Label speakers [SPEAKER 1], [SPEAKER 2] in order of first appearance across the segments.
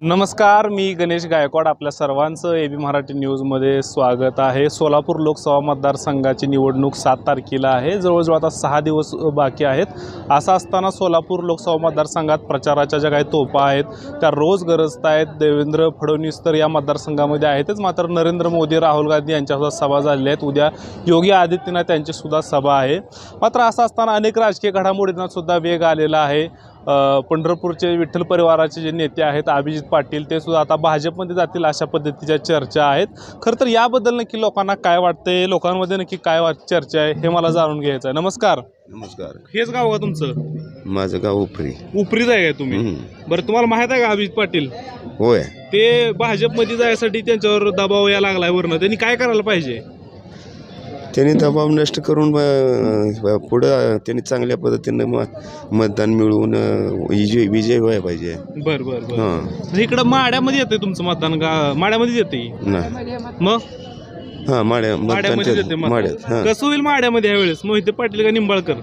[SPEAKER 1] नमस्कार, मी गणेश गायकवाड. आपल्या सर्वांचं एबी मराठी न्यूजमध्ये स्वागत आहे. सोलापूर लोकसभा मतदारसंघाची निवडणूक 7 तारखेला आहे. जवळजवळ आता 6 दिवस बाकी आहेत. असं असताना सोलापूर लोकसभा मतदारसंघात प्रचाराच्या ज्या काही तोफा आहेत त्या रोज गरजत आहेत. देवेंद्र फडणवीस तर या मतदारसंघामध्ये आहेतच, मात्र नरेंद्र मोदी, राहुल गांधी यांच्यासुद्धा सभा झालेल्या आहेत. उद्या योगी आदित्यनाथ यांचीसुद्धा सभा आहे. मात्र असं असताना अनेक राजकीय घडामोडींना सुद्धा वेग आलेला आहे. पंढरपूरचे विठ्ठल परिवाराचे जे नेते आहेत अभिजित पाटील, ते सुद्धा आता भाजपमध्ये जातील अशा पद्धतीच्या चर्चा आहेत. खरं तर याबद्दल नक्की लोकांना काय वाटतंय, लोकांमध्ये नक्की काय चर्चा आहे, हे मला जाणून घ्यायचं आहे. नमस्कार.
[SPEAKER 2] नमस्कार.
[SPEAKER 1] हेच गाव का तुमचं?
[SPEAKER 2] माझं गाव उपरी.
[SPEAKER 1] उपरीच आहे का तुम्ही? बरं, तुम्हाला माहित आहे का अभिजित पाटील?
[SPEAKER 2] होय.
[SPEAKER 1] ते भाजपमध्ये जायसाठी त्यांच्यावर दबाव या लागलाय वरनं. त्यांनी काय करायला पाहिजे?
[SPEAKER 2] त्यांनी दबाव नष्ट करून पुढं त्यांनी चांगल्या पद्धतीनं मतदान मिळवून विजय व्हायला पाहिजे.
[SPEAKER 1] बरं बरं बरं. इकडं माड्यामध्ये येते तुमचं मतदान? माड्यामध्ये येते
[SPEAKER 2] नाही.
[SPEAKER 1] मग
[SPEAKER 2] हां,
[SPEAKER 1] माड्यामध्ये येते.
[SPEAKER 2] माड्यात. हां,
[SPEAKER 1] कसं होईल माड्यामध्ये यावेळेस? मोहिते पाटील का निंबाळकर?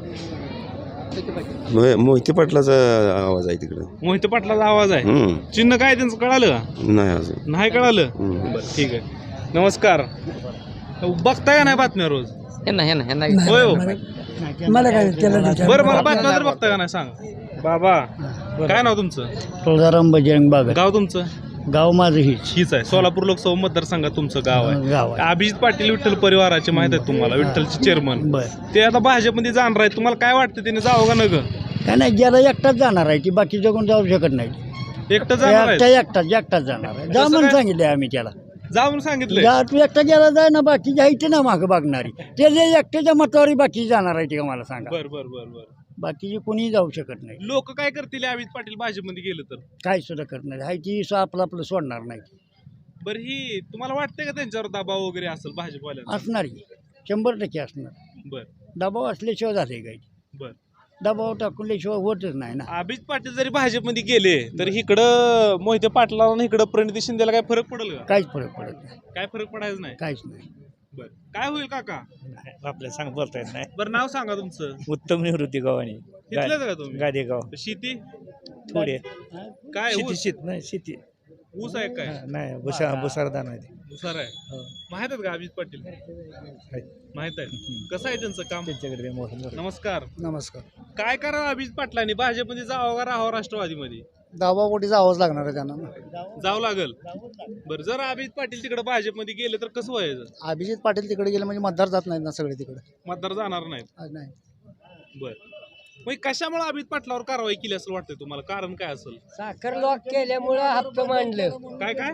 [SPEAKER 2] मोहिते पाटलाचा आवाज आहे तिकडं.
[SPEAKER 1] मोहिते पाटलाचा आवाज आहे. चिन्ह काय त्यांचं कळालं का?
[SPEAKER 2] नाही अजून.
[SPEAKER 1] नाही कळालं? बरं, ठीक आहे. नमस्कार. बघताय का नाही बातम्या रोज? होय हो.
[SPEAKER 3] मला काय
[SPEAKER 1] बरं, मला बातम्या तर बघताय का नाही सांग बाबा. काय नाव तुमचं?
[SPEAKER 3] तुळजाराम बजरंग बाग.
[SPEAKER 1] गाव तुमचं?
[SPEAKER 3] गाव माझं हीच
[SPEAKER 1] आहे. सोलापूर लोकसभा मतदारसंघात तुमचं गाव आहे.
[SPEAKER 3] गाव आहे.
[SPEAKER 1] अभिजित पाटील विठ्ठल परिवाराचे माहित आहेत तुम्हाला, विठ्ठलचे चेअरमन. ते आता भाजपमध्ये जाणार आहेत. तुम्हाला काय वाटतं, त्याने जावं का नग?
[SPEAKER 3] काय नाही, ज्याला एकटाच जाणार आहे की बाकी जगून जाऊ शकत नाही.
[SPEAKER 1] एकटं जाणार आहे?
[SPEAKER 3] एकटाच जाणार आहे. जा म्हणून सांगितले आम्ही त्याला.
[SPEAKER 1] जाऊन सांगितलं.
[SPEAKER 3] जा, तू एकटा गेला जाय ना, बाकी जायचे ना मागं बघणारी. ते जे एकट्याच्या मतावर बाकी जाणार आहे ते का मला सांगा.
[SPEAKER 1] बर बर बर बर.
[SPEAKER 3] बाकीचे कोणी जाऊ शकत नाही.
[SPEAKER 1] लोक काय करतील अभिजित पाटील भाजपमध्ये गेलं तर?
[SPEAKER 3] काय सुद्धा करणार आहे ती आपलं सोडणार नाही.
[SPEAKER 1] बरं, ही तुम्हाला वाटतंय का त्यांच्यावर दबाव वगैरे असेल भाजपवाल्यांचा?
[SPEAKER 3] असणार की 100% असणार.
[SPEAKER 1] बर
[SPEAKER 3] दबाव असल्याशिवाय झाले काही.
[SPEAKER 1] बर.
[SPEAKER 3] दबाव टाकल्याशिवाय होतच नाही ना.
[SPEAKER 1] अभिजित पाटील जरी भाजपमध्ये गेले तर इकडं मोहिते पाटलाला आणि इकडं प्रणिती शिंदेला काय फरक पडेल का?
[SPEAKER 3] काहीच फरक पडत नाही.
[SPEAKER 1] काय फरक पडायचं नाही?
[SPEAKER 3] काहीच नाही.
[SPEAKER 1] बर. काय होईल काका?
[SPEAKER 3] आपल्याला सांग बोलता येत नाही.
[SPEAKER 1] बरं, नाव सांगा तुमचं.
[SPEAKER 3] उत्तम निवृत्ती गावाने
[SPEAKER 1] घेतलं का तुम्ही?
[SPEAKER 3] गादेगाव.
[SPEAKER 1] शेती
[SPEAKER 3] थोडे
[SPEAKER 1] काय?
[SPEAKER 3] शेती
[SPEAKER 1] ऊस?
[SPEAKER 3] शेत नाही शेती
[SPEAKER 1] ऊस आहे काय?
[SPEAKER 3] नाही भुसारदान आहे.
[SPEAKER 1] भुसार आहे. माहित आहेत का अभिजित पाटील? माहित आहे. कसं आहे त्यांचं काम?
[SPEAKER 3] त्यांच्याकडे
[SPEAKER 1] नमस्कार.
[SPEAKER 3] नमस्कार.
[SPEAKER 1] काय करावं अभिजित पाटलांनी? भाजपमध्ये जावं का राहावं राष्ट्रवादीमध्ये?
[SPEAKER 3] दाबापोटी जावंच लागणार आहे त्यांना.
[SPEAKER 1] जावं लागल. बरं, जर अभिजित पाटील तिकडे भाजपमध्ये गेले तर कसं व्हायचं?
[SPEAKER 3] अभिजित पाटील तिकडे गेले म्हणजे मतदार जात नाहीत ना सगळे तिकडे.
[SPEAKER 1] मतदार जाणार नाहीत.
[SPEAKER 3] नाही.
[SPEAKER 1] बर. मग कशामुळे अभिजित पाटलावर कारवाई केली असं वाटतंय तुम्हाला? कारण काय असेल?
[SPEAKER 4] साखर लॉक केल्यामुळं हप्ता मांडलं.
[SPEAKER 1] काय काय?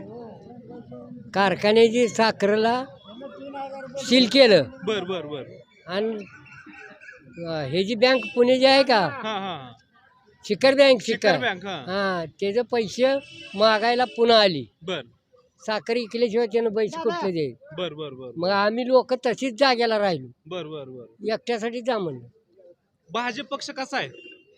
[SPEAKER 4] कारखान्याची साखरेला सील केलं
[SPEAKER 1] बर बर बर.
[SPEAKER 4] आणि हे जी बँक पुणे आहे का,
[SPEAKER 1] हा हा.
[SPEAKER 4] शिखर बँक,
[SPEAKER 1] शिखर बँक. हा.
[SPEAKER 4] हा, त्याचे पैसे मागायला पुन्हा आली.
[SPEAKER 1] बर
[SPEAKER 4] साखर इकल्याशिवाय त्यानं पैसे कुठले देईल.
[SPEAKER 1] बर बर बर
[SPEAKER 4] मग आम्ही लोक तशीच जाग्याला राहिलो.
[SPEAKER 1] बर बर बर.
[SPEAKER 4] एकट्यासाठी जा म्हणलं.
[SPEAKER 1] भाजप पक्ष कसा आहे?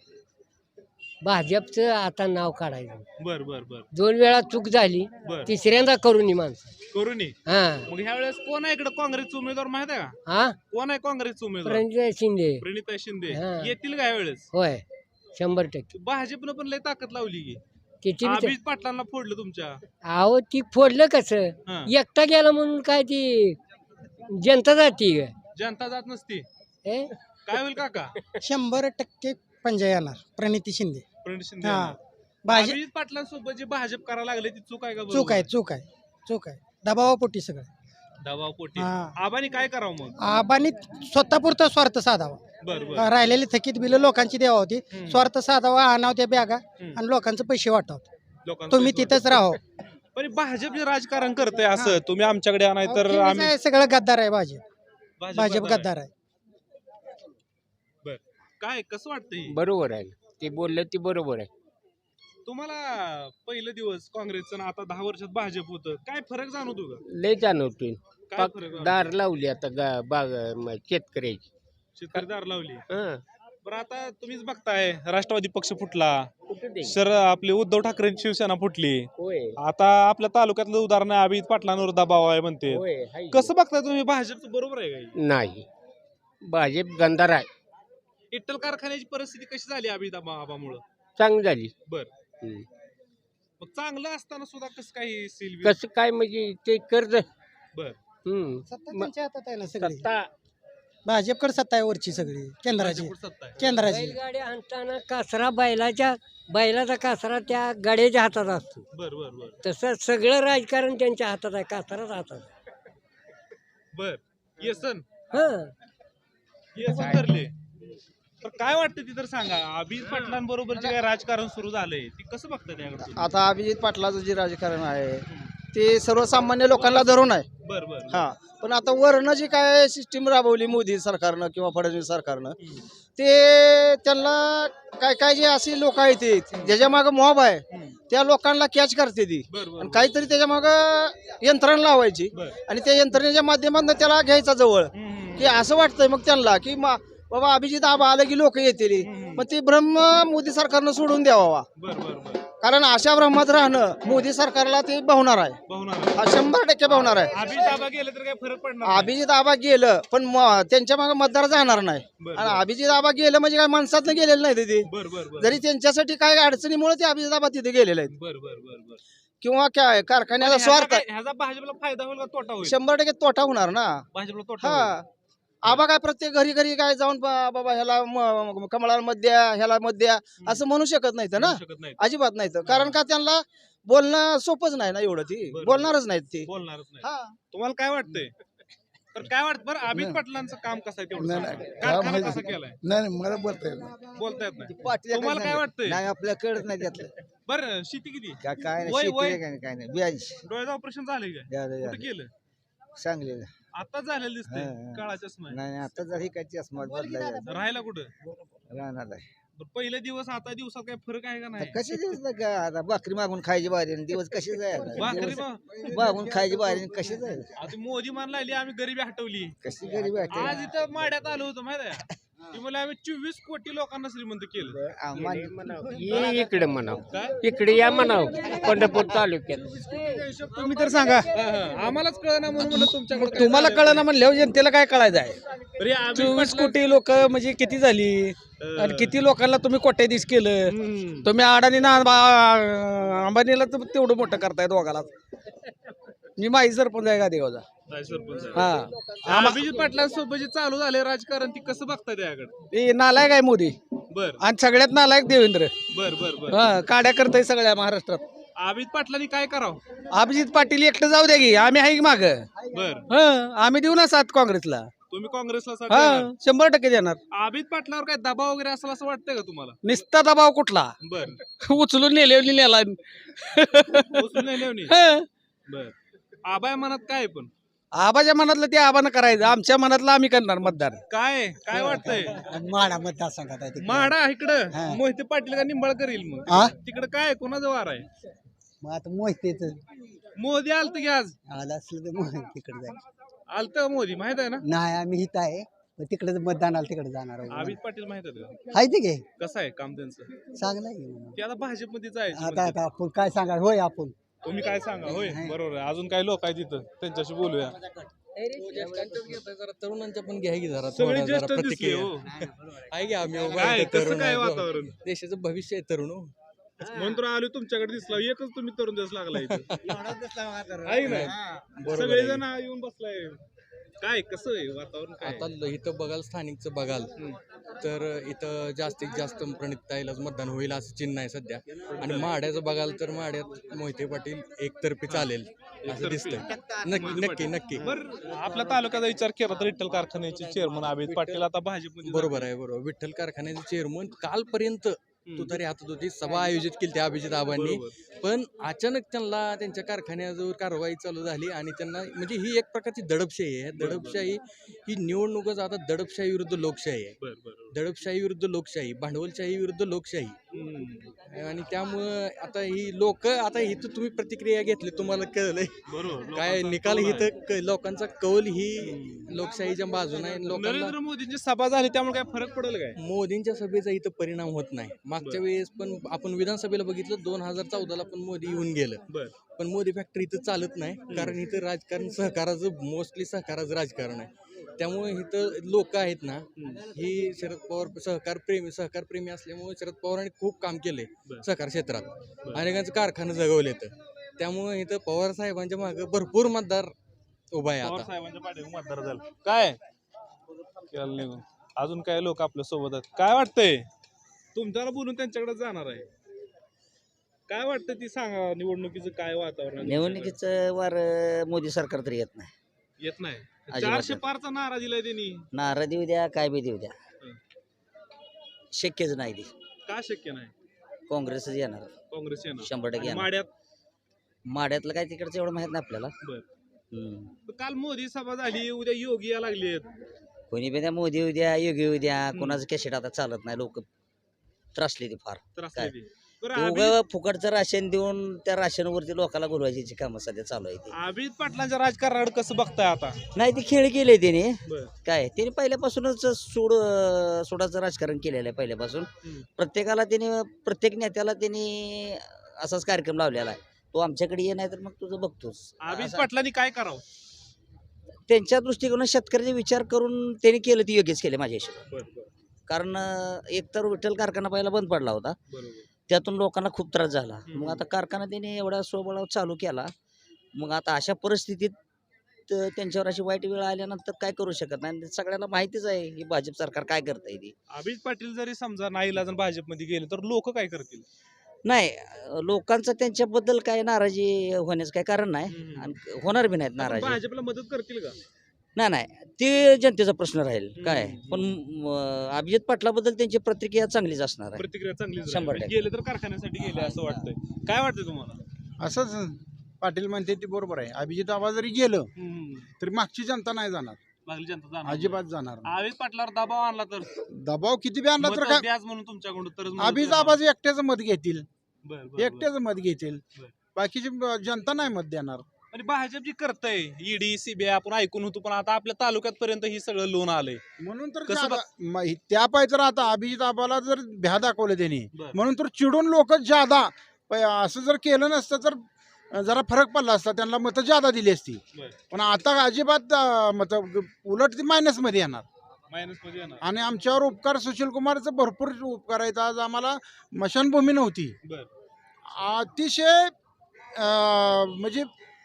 [SPEAKER 4] भाजपचं आता नाव काढायचं.
[SPEAKER 1] बर बर बर
[SPEAKER 4] 2 वेळा चूक झाली,
[SPEAKER 1] बर.
[SPEAKER 4] तिसऱ्यांदा करून माणसं.
[SPEAKER 1] करून
[SPEAKER 4] हा
[SPEAKER 1] मग ह्या वेळेस कोण आहे इकडे काँग्रेसचा उमेदवार माहित आहे का?
[SPEAKER 4] हा
[SPEAKER 1] कोण आहे काँग्रेसचा उमेदवार?
[SPEAKER 4] प्रणित शिंदे.
[SPEAKER 1] प्रणिता शिंदे.
[SPEAKER 4] हा.
[SPEAKER 1] येतील का ह्या वेळेस?
[SPEAKER 4] होय 100%.
[SPEAKER 1] भाजपनं पण लय ताकद लावली की.
[SPEAKER 4] किती
[SPEAKER 1] अभिजित पाटलांना फोडलं तुमच्या.
[SPEAKER 4] अहो ती फोडलं कसं?
[SPEAKER 1] हा.
[SPEAKER 4] एकटा गेला म्हणून काय ती जनता जाती का?
[SPEAKER 1] जनता जात नसती.
[SPEAKER 4] हे?
[SPEAKER 1] काय होईल काका?
[SPEAKER 5] 100% पंजा येणार प्रणिती शिंदे.
[SPEAKER 1] प्रणित शिंदे.
[SPEAKER 5] हा. भाजप
[SPEAKER 1] अभिजित पाटलांसोबत जे भाजप करायला लागले ती चूक आहे का?
[SPEAKER 5] चूक आहे. चूक आहे दबावापोटी सगळं.
[SPEAKER 1] दबाव पोटी.
[SPEAKER 5] हा.
[SPEAKER 1] आबानी काय करावं मग?
[SPEAKER 5] आबांनी स्वतःपुरता स्वार्थ साधावा.
[SPEAKER 1] बर बर.
[SPEAKER 5] राहिलेली थकीत बिलं लोकांची द्यावा होती. स्वार्थ साधावा, आणाव त्या बॅगा आणि लोकांचे पैसे वाटावं.
[SPEAKER 1] लोकांना
[SPEAKER 5] तुम्ही
[SPEAKER 1] पैसे
[SPEAKER 5] तिथंच राहो.
[SPEAKER 1] वाटतात. पण भाजप जे राजकारण करते असं तुम्ही आमच्याकडे आणाय तर
[SPEAKER 5] तुम्हीच
[SPEAKER 1] आम्ही
[SPEAKER 5] आहे, सगळं गद्दार आहे भाजप गद्दार आहे.
[SPEAKER 1] बर. काय कसं वाटतंय?
[SPEAKER 4] बरोबर आहे, ते बोललं ती बरोबर आहे.
[SPEAKER 1] तुम्हाला पहिलं दिवस काँग्रेसचं आणि आता 10 वर्षात भाजप होतं, काय फरक जाणवतो का?
[SPEAKER 4] लय जाणवतोय.
[SPEAKER 1] काय फरक जाणवतो?
[SPEAKER 4] दार लावली आता बाग शेतकऱ्याची.
[SPEAKER 1] शेतकरी दार लावली.
[SPEAKER 4] हं.
[SPEAKER 1] बरं, आता तुम्हीच बघताय राष्ट्रवादी पक्ष फुटला,
[SPEAKER 4] कुठं ते?
[SPEAKER 1] सर आपले उद्धव ठाकरेंची शिवसेना फुटली.
[SPEAKER 4] होय
[SPEAKER 1] आता आपल्या तालुक्यातलं उदाहरण आहे, अभिजित पाटलांवर दबाव आहे म्हणते.
[SPEAKER 4] होय हाय.
[SPEAKER 1] कसं बघताय तुम्ही? भाजपचं बरोबर आहे का?
[SPEAKER 4] नाही, भाजप गंधार आहे.
[SPEAKER 1] इट्टल कारखान्याची परिस्थिती कशी झाली अभिजित आबामुळं?
[SPEAKER 4] चांगली झाली.
[SPEAKER 1] बर.
[SPEAKER 4] हं.
[SPEAKER 1] मग चांगलं असताना सुद्धा कसं काही सील
[SPEAKER 4] कसं काय म्हणजे ते कर्ज
[SPEAKER 1] बर
[SPEAKER 5] सत्ता त्यांच्या हातात आहे ना सगळी
[SPEAKER 4] सत्ता
[SPEAKER 5] भाजपकडे सत्ता आहे वरची सगळी केंद्राची
[SPEAKER 1] भाजपकडे सत्ता आहे.
[SPEAKER 5] केंद्राची
[SPEAKER 4] बैलगाडी आणताना कासरा बैलाचा कासरा त्या गाड्याच्या हातात असतो.
[SPEAKER 1] बर बर बर
[SPEAKER 4] तसं सगळं राजकारण त्यांच्या हातात आहे, कासराच हातात आहे.
[SPEAKER 1] बर येसन
[SPEAKER 4] हं.
[SPEAKER 1] येसन धरले. तर काय वाटतं ती तर सांगा, अभिजित पाटलांबरोबर जे काय राजकारण सुरू झालंय ती कसं बघता त्याकडे?
[SPEAKER 6] आता अभिजित पाटलाचं जे राजकारण आहे ते सर्वसामान्य लोकांना धरून आहे.
[SPEAKER 1] बर बर
[SPEAKER 6] हा, पण आता वरनं जी काय सिस्टीम राबवली मोदी सरकारनं किंवा फडणवीस सरकारनं, ते त्यांना काय काय जे अशी लोक आहेत ते ज्याच्या मागं मॉब आहे त्या लोकांना कॅच करते ती
[SPEAKER 1] बर बर
[SPEAKER 6] आणि काहीतरी त्याच्या मागं यंत्रणा लावायची
[SPEAKER 1] बर.
[SPEAKER 6] आणि त्या यंत्रणेच्या माध्यमातून त्याला घ्यायचा जवळ, की असं वाटतंय मग त्यांना की बाबा अभिजित आबा आलं की लोक येतील, मग ते भ्रम मोदी सरकारनं सोडून द्यावा.
[SPEAKER 1] बर बर बर
[SPEAKER 6] कारण अशा भ्रमात राहणं मोदी सरकारला ते भावणार आहे.
[SPEAKER 1] बहुणार
[SPEAKER 6] हा 100% भावणार आहे.
[SPEAKER 1] अभिजित आबा गेलं तर काय फरक पडणार नाही.
[SPEAKER 6] अभिजित आबा गेलं पण त्यांच्या मागे मतदार जाणार नाही.
[SPEAKER 1] बरं,
[SPEAKER 6] आणि
[SPEAKER 1] बरं.
[SPEAKER 6] अभिजित आबा गेलं म्हणजे काय माणसात गेलेलं नाही ते.
[SPEAKER 1] बर बर बर
[SPEAKER 6] जरी त्यांच्यासाठी काय अडचणीमुळे ते अभिजित आबा तिथे गेलेले आहेत
[SPEAKER 1] बर बर बर बर
[SPEAKER 6] किंवा काय कारखान्याचा स्वार्थ
[SPEAKER 1] ह्याचा भाजपला फायदा होईल का तोटा होईल?
[SPEAKER 6] 100% तोटा होणार ना.
[SPEAKER 1] भाजपला तोटा होईल.
[SPEAKER 6] हा, आबा काय प्रत्येक घरी घरी काय जाऊन बाबा ह्याला कमळाला मत द्या, ह्याला मत द्या असं म्हणू शकत नाही ना.
[SPEAKER 1] म्हणू शकत नाही.
[SPEAKER 6] अजिबात नाही. कारण का त्यांना बोलणं सोपंच नाही ना एवढं, ती
[SPEAKER 1] बरं.
[SPEAKER 6] बोलणारच नाहीत ती.
[SPEAKER 1] बोलणारच नाही.
[SPEAKER 6] हा,
[SPEAKER 1] तुम्हाला काय वाटतंय? तर काय वाटतं बरं, अभिजित पाटलांचं काम कसं आहे तेवढं
[SPEAKER 7] नाही,
[SPEAKER 1] सांगा.
[SPEAKER 7] नाही.
[SPEAKER 1] कारखाना
[SPEAKER 7] काय
[SPEAKER 1] कसा केलाय
[SPEAKER 7] नाही मला बोलता येत नाही.
[SPEAKER 1] बोलता येत नाही.
[SPEAKER 6] पाटील
[SPEAKER 1] तुम्हाला काय वाटतंय?
[SPEAKER 6] नाही आपल्या कळत नाही त्यातलं.
[SPEAKER 1] बरं शेती किती?
[SPEAKER 6] काय
[SPEAKER 1] वय- वय?
[SPEAKER 6] काय नाही 82
[SPEAKER 1] डोळ्याचं ऑपरेशन झालंय काय? कुठं केलं?
[SPEAKER 6] सांगलेलं.
[SPEAKER 1] आता झालेलं दिसतंय.
[SPEAKER 6] हा, हा.
[SPEAKER 1] काळा चष्मा आहे.
[SPEAKER 6] नाही आता जरी काय चष्मा बदलायचा
[SPEAKER 1] राहायला कुठं?
[SPEAKER 6] राहणार आहे.
[SPEAKER 1] बरं, पहिले दिवस आता दिवसात काय फरक आहे का नाही?
[SPEAKER 6] कसे दिवस ना का आता भाकरी मागून खायची बारी आणि दिवस कसे
[SPEAKER 1] भाकरी
[SPEAKER 6] जायला
[SPEAKER 1] मग
[SPEAKER 6] मागून खायची बारी आणि कसे जायला
[SPEAKER 1] आता मोदी मान लागली आम्ही गरिबी हटवली.
[SPEAKER 6] कशी गरीब
[SPEAKER 1] आज इथं माड्यात आलो होतो माहिती आहे? ती मला आम्ही 24 कोटी लोकांना श्रीमंत केलं.
[SPEAKER 4] ये इकडे म्हणाव,
[SPEAKER 1] काय?
[SPEAKER 4] इकडे या म्हणाव, पंढरपूर तालुक्यात.
[SPEAKER 8] तुम्ही तर सांगा,
[SPEAKER 1] आम्हालाच कळना म्हणून म्हणलं तुमच्याकडे
[SPEAKER 8] तुम्हाला कळना म्हणल्यावर जनतेला काय कळायचं आहे?
[SPEAKER 1] तरी आम्ही
[SPEAKER 8] 24
[SPEAKER 1] म्हटलं-
[SPEAKER 8] कोटी लोक म्हणजे किती झाली आणि किती लोकांना तुम्ही कोट्याधीश केलं. तुम्ही अडाणीना अंबानीला तर तेवढं मोठं करताय दोघाला. मी माई सरपंच आहे गादेगावचा.
[SPEAKER 1] काय सरपंच आहे?
[SPEAKER 8] हा,
[SPEAKER 1] अभिजित पाटलांसोबत जे चालू झाले राजकारण ती कसं बघताय त्याकडे?
[SPEAKER 8] ते नालायक आहे मोदी
[SPEAKER 1] बर
[SPEAKER 8] आणि सगळ्यात नालायक देवेंद्र.
[SPEAKER 1] बर बर बर
[SPEAKER 8] हा, काड्या करताय सगळ्या महाराष्ट्रात.
[SPEAKER 1] अभिजित पाटलांनी काय करावं?
[SPEAKER 8] अभिजित पाटील एकटं जाऊ द्या की, आम्ही आहे की माग.
[SPEAKER 1] बर
[SPEAKER 8] आम्ही देऊ ना साथ काँग्रेसला.
[SPEAKER 1] तुम्ही काँग्रेसला साथ
[SPEAKER 8] हा,
[SPEAKER 1] देणार?
[SPEAKER 8] 100% देणार.
[SPEAKER 1] अभिजित पाटलावर काय दबाव वगैरे असेल असं वाटतंय का तुम्हाला?
[SPEAKER 8] निस्ता दबाव कुठला?
[SPEAKER 1] बर
[SPEAKER 8] उचलून नेले नेला.
[SPEAKER 1] उचलून नाही लेवणी.
[SPEAKER 8] हं.
[SPEAKER 1] बर आबाय मनात काय आहे पण
[SPEAKER 8] आबाच्या मनातलं ते आबानं करायचं, आमच्या मनातलं आम्ही करणार मतदान.
[SPEAKER 1] काय काय वाटतंय?
[SPEAKER 5] माडा मतदारसंघात आहे तिकडे.
[SPEAKER 1] माडा इकडं मोहिते पाटील का निंबाळकर येईल मग?
[SPEAKER 5] हा?
[SPEAKER 1] तिकडं काय कोणाचं वार आहे?
[SPEAKER 5] मग आता मोहितेच
[SPEAKER 1] मोदी आलत की आज?
[SPEAKER 5] आलं असलं तर मग तिकडे जायचं.
[SPEAKER 1] आलत का मोदी माहित आहे ना?
[SPEAKER 5] नाही आम्ही इथं आहे, तिकडे मतदानाला तिकडे जाणार आहोत.
[SPEAKER 1] अभिजित पाटील माहित आहे का?
[SPEAKER 5] आहे ते घे,
[SPEAKER 1] कसं आहे काम त्यांचं?
[SPEAKER 5] चांगलं आहे की.
[SPEAKER 1] ते आता भाजपमध्ये जायचं
[SPEAKER 5] आता
[SPEAKER 1] म्हणतात.
[SPEAKER 5] आता आपण काय सांगा, होय आपण
[SPEAKER 1] तुम्ही काय सांगा होय बरोबर आहे. अजून काही लोक आहेत तिथं त्यांच्याशी बोलूया.
[SPEAKER 9] तरुणांच्या पण घ्या की जरा
[SPEAKER 1] सगळे
[SPEAKER 9] थोडा जरा
[SPEAKER 1] ज्येष्ठ दिसले
[SPEAKER 9] प्रतिक्रिया
[SPEAKER 1] हो.
[SPEAKER 9] आहे की आम्ही उभा
[SPEAKER 1] काय
[SPEAKER 9] आहे,
[SPEAKER 1] कसं
[SPEAKER 9] तरुण
[SPEAKER 1] काय
[SPEAKER 9] आहे,
[SPEAKER 1] वातावरण?
[SPEAKER 9] देशाचं भविष्य आहे तरुण हो.
[SPEAKER 1] म्हणून तर आलो तुमच्याकडे दिसला, एकच तुम्ही तरुण दिवस लागला इथं. आहे ना?
[SPEAKER 9] बरोबर
[SPEAKER 1] सगळेजण येऊन बसलाय. काय कसं आहे वातावरण काय?
[SPEAKER 9] आता इथं बघाल स्थानिकचं बघाल तर इथं जास्तीत जास्त प्रणिताईलाच मतदान होईल असं चिन्ह आहे सध्या. आणि माड्याचं बघाल तर माड्यात मोहिते पाटील एकतर्फी चालेल असं दिसतंय. नक्की नक्की नक्की
[SPEAKER 1] बरं आपल्या तालुक्याचा विचार केला तर विठ्ठल कारखान्याचे चेअरमन अभिजित पाटील आता भाजपमध्ये
[SPEAKER 9] बरोबर आहे बरोबर. विठ्ठल कारखान्याचे चेअरमन कालपर्यंत तुतारी हातात होती, सभा आयोजित केली त्या अभिजित आबांनी, पण अचानक त्यांना त्यांच्या कारखान्याजवळ कारवाई चालू झाली आणि त्यांना म्हणजे ही एक प्रकारची दडपशाही आहे. दडपशाही ही निवडणूकच आता दडपशाही विरुद्ध लोकशाही आहे. दडपशाही विरुद्ध लोकशाही, भांडवलशाही विरुद्ध लोकशाही. आणि त्यामुळं आता ही लोक आता इथं तुम्ही प्रतिक्रिया घेतली तुम्हाला कळलंय काय निकाल इथं लोकांचा कौल ही लोकशाहीच्या बाजूने आहे. लोकांना
[SPEAKER 1] नरेंद्र मोदींची सभा झाली त्यामुळे काय फरक पडेल काय?
[SPEAKER 9] मोदींच्या सभेचा इथं परिणाम होत नाही. मागच्या वेळेस पण आपण विधानसभेला बघितलं 2014ला पण मोदी येऊन गेलं, पण मोदी फॅक्टरी इथं चालत नाही कारण इथं राजकारण सहकाराचं मोस्टली सहकाराचं राजकारण आहे. त्यामुळे इथं लोक आहेत ना, ही शरद पवार सहकार प्रेमी असल्यामुळे शरद पवारांनी खूप काम केले सहकार क्षेत्रात, अनेकांचं कारखानं जगवले. त्यामुळे इथं पवार साहेबांच्या मागे भरपूर मतदार उभा आहे
[SPEAKER 1] पवार
[SPEAKER 9] आता.
[SPEAKER 1] साहेबांच्या पाठीमागे मतदार झालं काय केलं निघून. अजून काय लोक आपल्या सोबत आहेत. काय वाटतंय तुमच्याला बोलून त्यांच्याकडे जाणार आहे. काय वाटतं ती सांगा, निवडणुकीचं काय वातावरण आहे?
[SPEAKER 10] निवडणुकीचं वार मोदी सरकार तरी येत नाही.
[SPEAKER 1] येत नाही.
[SPEAKER 10] अजिबात
[SPEAKER 1] 400 पारचा नारा दिलाय त्यांनी.
[SPEAKER 10] नारळ देऊ द्या काय बी देऊ द्या, शक्यच नाही ते.
[SPEAKER 1] का शक्य नाही?
[SPEAKER 10] काँग्रेसच येणार
[SPEAKER 1] काँग्रेस येणार
[SPEAKER 10] 100%
[SPEAKER 1] आणि
[SPEAKER 10] येणार.
[SPEAKER 1] माड्यात
[SPEAKER 10] माड्यातलं काय तिकडचं एवढं माहित नाही आपल्याला.
[SPEAKER 1] बर.
[SPEAKER 10] हम्म.
[SPEAKER 1] काल मोदी सभा झाली, उद्या योगी या लागले.
[SPEAKER 10] कोणी बी द्या, मोदी येऊ द्या, योगी येऊ द्या, कोणाचं कॅसेट आता चालत नाही. लोक त्रासली ती फार. काय? उगं फुकटचं राशन देऊन त्या राशनवरती लोकांना घुलवायची कामं सध्या चालू आहे.
[SPEAKER 1] अभित पाटलांच्या राजकारणाकडे कसं बघताय आता?
[SPEAKER 10] नाही ते खेळ केले त्याने.
[SPEAKER 1] बर.
[SPEAKER 10] काय त्याने पहिल्यापासूनच सोडाचं राजकारण केलेलं आहे पहिल्यापासून. प्रत्येकाला त्याने, प्रत्येक नेत्याला त्याने असाच कार्यक्रम लावलेला आहे. तो आमच्याकडे ये नाही तर मग तुझं बघतोस.
[SPEAKER 1] अभित पाटलांनी काय करावं?
[SPEAKER 10] त्यांच्या दृष्टिकोनात शेतकऱ्याचे विचार करून त्यांनी केलं ते योग्यच केले माझ्या हिशोबाने. कारण एकतर विठ्ठल कारखाना पहिला बंद पडला होता, त्यातून लोकांना खूप त्रास झाला. मग आता कारखाना त्यांनी एवढा स्वबळावर चालू केला. मग आता अशा परिस्थितीत त्यांच्यावर अशी वाईट वेळ आल्यानंतर काय करू शकत नाही. सगळ्यांना माहितीच आहे की भाजप सरकार काय करतंय ते.
[SPEAKER 1] अभित पाटील जरी समजा नाही इलाज भाजपमध्ये गेले तर लोक काय करतील?
[SPEAKER 10] नाही, लोकांचं त्यांच्याबद्दल काय नाराजी होण्याचं काय कारण नाही आणि होणार बी नाहीत नाराजी.
[SPEAKER 1] भाजपला मदत करतील का?
[SPEAKER 10] नाही, ते जनतेचा प्रश्न राहील. काय पण अभिजित पाटलाबद्दल त्यांची प्रतिक्रिया चांगलीच असणार आहे.
[SPEAKER 1] प्रतिक्रिया चांगली
[SPEAKER 10] 100%.
[SPEAKER 1] गेले तर कारखान्यासाठी गेले असं वाटतंय. काय वाटतंय तुम्हाला?
[SPEAKER 7] असंच पाटील म्हणते ते बरोबर आहे. अभिजित आबा जरी गेलं तरी मागची जनता नाही जाणार,
[SPEAKER 1] मागली जनता जाणार
[SPEAKER 7] अजिबात जाणार नाही.
[SPEAKER 1] अभित पाटलावर दबाव आणला तर
[SPEAKER 7] दबाव किती बी आणला तर
[SPEAKER 1] मतं
[SPEAKER 7] काय,
[SPEAKER 1] द्याच म्हणून तुमच्याकडून तर
[SPEAKER 7] अभिजित आबाचं एकट्याचं मत घेतील,
[SPEAKER 1] बरं.
[SPEAKER 7] एकट्याचं मत घेतील,
[SPEAKER 1] बरं.
[SPEAKER 7] बाकीची जनता नाही मत देणार.
[SPEAKER 1] आणि भाजप जी करतंय ईडी सीबीआय आपण ऐकून होतो, पण आता आपल्या तालुक्यात पर्यंत ही सगळं लोन आलंय.
[SPEAKER 7] म्हणून तर
[SPEAKER 1] कसं
[SPEAKER 7] त्या पाय तर आता अभिजित आबाला जर भ्या दाखवलं त्यांनी,
[SPEAKER 1] बरं.
[SPEAKER 7] म्हणून तर चिडून लोक जादा असं जर केलं नसतं तर जरा फरक पडला असता, त्यांना मतं जादा दिली असती.
[SPEAKER 1] बरं.
[SPEAKER 7] पण आता अजिबात मत उलट ती मायनस मध्ये येणार.
[SPEAKER 1] मायनस मध्ये येणार.
[SPEAKER 7] आणि आमच्यावर उपकार सुशील कुमारचं भरपूर उपकार आहेत. आज आम्हाला स्मशानभूमी नव्हती,
[SPEAKER 1] बरं.
[SPEAKER 7] अतिशय म्हणजे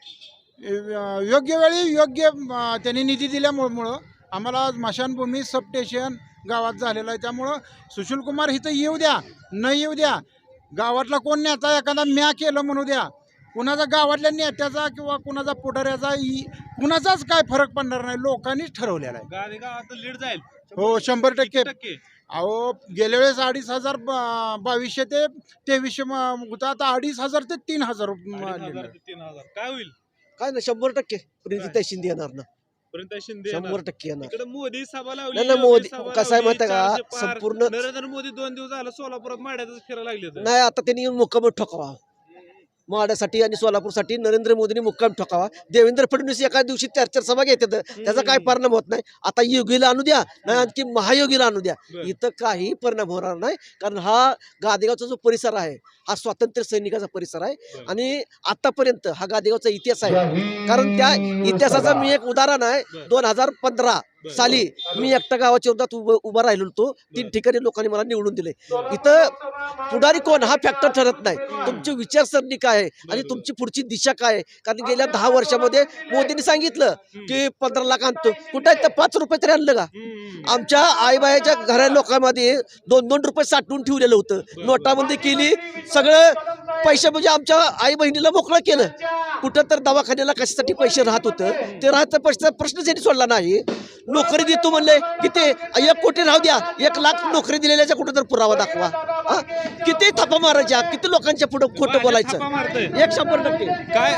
[SPEAKER 7] योग्य वेळी योग्य त्यांनी निधी दिल्यामुळं आम्हाला स्मशानभूमी सबस्टेशन गावात झालेलं आहे. त्यामुळं सुशील कुमार इथं येऊ द्या न येऊ द्या, गावातला कोण नेता एखादा म्या केलं म्हणू द्या, कुणाचा गावातल्या नेत्याचा किंवा कुणाचा पुढाऱ्याचा कुणाचाच काय फरक पडणार नाही. लोकांनीच ठरवलेला आहे.
[SPEAKER 1] गावात लीड जाईल.
[SPEAKER 7] हो, 100%.
[SPEAKER 1] टक्के.
[SPEAKER 7] अहो, गेल्या वेळेस 2,500 2200 ते 2300 होता, आता 2,500 ते 3,000
[SPEAKER 1] 3,000 काय होईल?
[SPEAKER 6] काय ना 100% प्रीतीताई शिंदे येणार ना,
[SPEAKER 1] पर्यंत शिंदे येणार.
[SPEAKER 6] 100% येणार.
[SPEAKER 1] इकडे मोदी सभा लावली.
[SPEAKER 6] नाही, नाही,
[SPEAKER 1] योगी
[SPEAKER 6] मोदी
[SPEAKER 1] सभा
[SPEAKER 6] कसं आहे
[SPEAKER 1] लावली,
[SPEAKER 6] माहिती आहे
[SPEAKER 1] 400
[SPEAKER 6] का,
[SPEAKER 1] पार.
[SPEAKER 6] संपूर्ण
[SPEAKER 1] नरेंद्र मोदी 2 दिवस झालं सोलापुरात माड्यातच फिरायला लागले.
[SPEAKER 6] नाही, आता त्यांनी येऊन मुक्काम ठोकावा माड्यासाठी आणि सोलापूरसाठी. नरेंद्र मोदींनी मुक्काम ठोकावा. देवेंद्र फडणवीस एका दिवशी 4 सभा घेतात, त्याचा काय परिणाम होत नाही. आता योगीला आणू द्या, नाही आणखी महायोगीला आणू द्या, इथं काही परिणाम होणार नाही. कारण हा गादेगावचा जो परिसर आहे हा स्वातंत्र्य सैनिकाचा परिसर आहे आणि आतापर्यंत हा गादेगावचा इतिहास आहे. कारण त्या इतिहासाचं मी एक उदाहरण आहे. 2015 साली मी एकटा गावाच्या विरोधात उभा राहिलो होतो. 3 ठिकाणी लोकांनी मला निवडून दिले. इथं पुढारी कोण हा फॅक्टर ठरत नाही, तुमची विचारसरणी काय आहे आणि तुमची पुढची दिशा काय आहे. कारण गेल्या 10 वर्षामध्ये मोदींनी सांगितलं की 15 लाख आणतो, कुठे 5 रुपये तरी आणलं का? आमच्या आईबाईच्या घरा लोकांमध्ये 2-2 रुपये साठवून ठेवलेलं होतं. नोटाबंदी केली, सगळं पैसे म्हणजे आमच्या आई बहिणीला मोकळं केलं. कुठं तर दवाखान्याला कशासाठी पैसे राहत होतं, ते राहत प्रश्नच यांनी सोडला नाही. नोकरी देतो म्हणले, किती 1 कोटी राहू द्या, 1 लाख नोकरी दिलेल्याचा कुठं तर पुरावा दाखवा. किती थापा मारायच्या, किती लोकांच्या पुढे खोटं बोलायचं. 100%
[SPEAKER 1] काय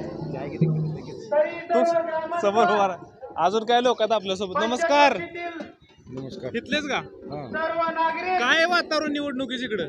[SPEAKER 1] तू समोर उभा राहा. अजून काय लोक आहेत आपल्यासोबत? नमस्कार.
[SPEAKER 7] नमस्कार.
[SPEAKER 1] इथलेच का? काय वातावरण निवडणुकीच इकडं?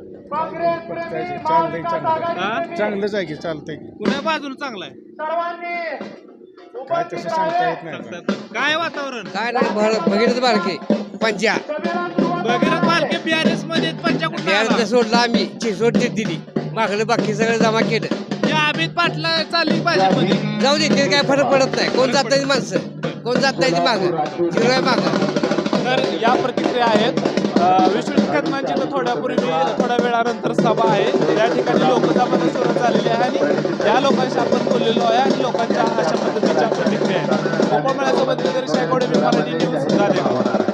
[SPEAKER 7] चांगलंच आहे की, चालतंय की,
[SPEAKER 1] कुणा बाजून चांगला आहे?
[SPEAKER 7] काय तसं सांगता येत नाही.
[SPEAKER 1] काय वातावरण?
[SPEAKER 4] काय नाही, भगीरथ बालके पंचा
[SPEAKER 1] भगीरथ बालके BRS मध्ये पंचाकुट
[SPEAKER 4] सोडला आम्ही, चिसोड दिली, मागलं बाकी सगळं जमा केलं.
[SPEAKER 1] अभित पाटला चालली भाजपमध्ये.
[SPEAKER 4] जाऊ दे, ते काय फरक पडत नाही, कोण जात माणसं.
[SPEAKER 5] कोण जात नाही ती मागं झिरो आहे मागं.
[SPEAKER 1] तर या प्रतिक्रिया आहेत. विश्वजित कदमांची तर थोड्या वेळानंतर सभा आहे. या ठिकाणी लोकसभा सुरू झालेली आहे आणि या लोकांशी आपण बोललेलो आहे आणि लोकांच्या अशा पद्धतीच्या प्रतिक्रिया आहेत. गोपाळ मेळ्यासोबत निलेश गायकवाड, मराठी न्यूज, गांधीनगर.